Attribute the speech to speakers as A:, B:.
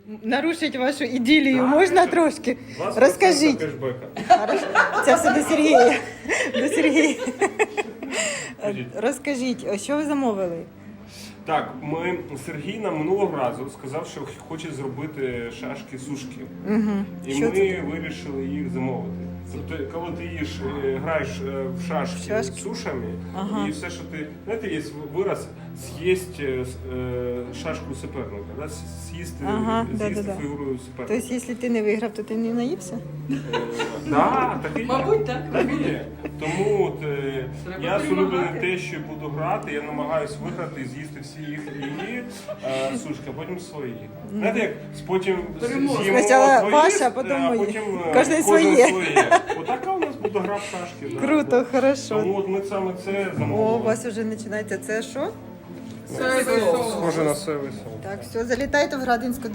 A: нарушити вашу ідилію можна трошки? Розкажіть. Хорошо. Це все до Сергія. До Сергія. Розкажіть, що ви замовили?
B: Так, Сергій нам минулого разу сказав, що хоче зробити шашки-сушки. І
A: Що
B: ми вирішили їх замовити. Тобто, коли ти граєш в шашки з сушами, і все, що ти... Знаєте, є вираз «з'їсть шашку суперника», да? З'їсти фігуру суперника.
A: Тобто, якщо ти не виграв, то ти не наївся?
B: Так, так і є.
C: Мабуть, так.
B: Так і є. Тому я з улюбленим те, що буду грати, я намагаюся виграти і з'їсти всі її сушки, а потім свої. Знаєте, як потім з'їмо
A: Спочатку
B: твої,
A: ваша, а потім мої.
B: потім
A: Кожен своє.
B: Отака у нас буде гра в шашки. Да.
A: Круто, хорошо.
B: Тому от ми саме це
A: О,
B: замовили.
A: у вас вже починається. Це що?
C: Соєвий соус.
B: Схоже на соєвий соус.
A: Так, все, залітайте в Градинську.